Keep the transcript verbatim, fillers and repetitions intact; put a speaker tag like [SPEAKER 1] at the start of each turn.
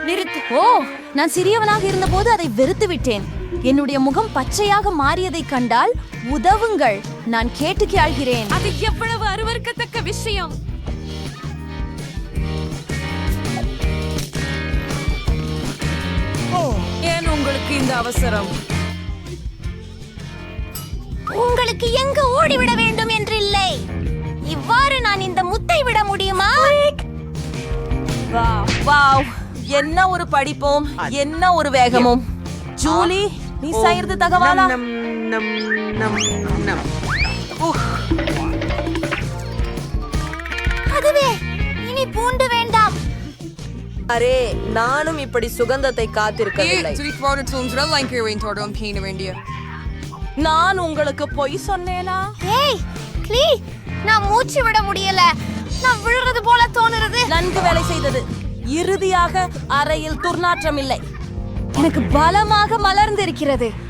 [SPEAKER 1] நிறுத்து.
[SPEAKER 2] ஓ, நான் சிறியவனாக இருந்தபோது அதை வெறுத்து விட்டேன். என்னுடைய முகம் பச்சையாக மாறியதை கண்டால் உதவுங்கள். நான் கேட்டு கேள்கிறேன்.
[SPEAKER 1] அது எவ்வளவு அருவருக்கத்தக்க விஷயம். ஏன் உங்களுக்கு இந்த அவசரம்?
[SPEAKER 2] உங்களுக்கு எங்க ஓடிவிட வேண்டும் என்று இல்லை. இவ்வாறு நான் இந்த முத்தை விட முடியுமா?
[SPEAKER 3] வாவ் வாவ், என்ன ஒரு படிப்போம், என்ன ஒரு வேகமும். ஜூலி, நீ செய்யறது தகவலா?
[SPEAKER 4] நம் நம் நம் நம்
[SPEAKER 2] அதுவே, இனி பூண்டு வேண்டாம்.
[SPEAKER 3] அரே, நானும் இப்படி சுகந்தத்தை காத்திருக்கவில்லை. நான் உங்களுக்கு பொய் சொன்னேனா?
[SPEAKER 2] ஏய், க்ளீ, நான் மூச்சு விட முடியல. நான் விழுறது போல தோணுறது.
[SPEAKER 3] நன்கு வேலை செய்தது. இறுதியாக அறையில் துர்நாற்றம் இல்லை.
[SPEAKER 2] எனக்கு பலமாக மலர்ந்திருக்கிறது.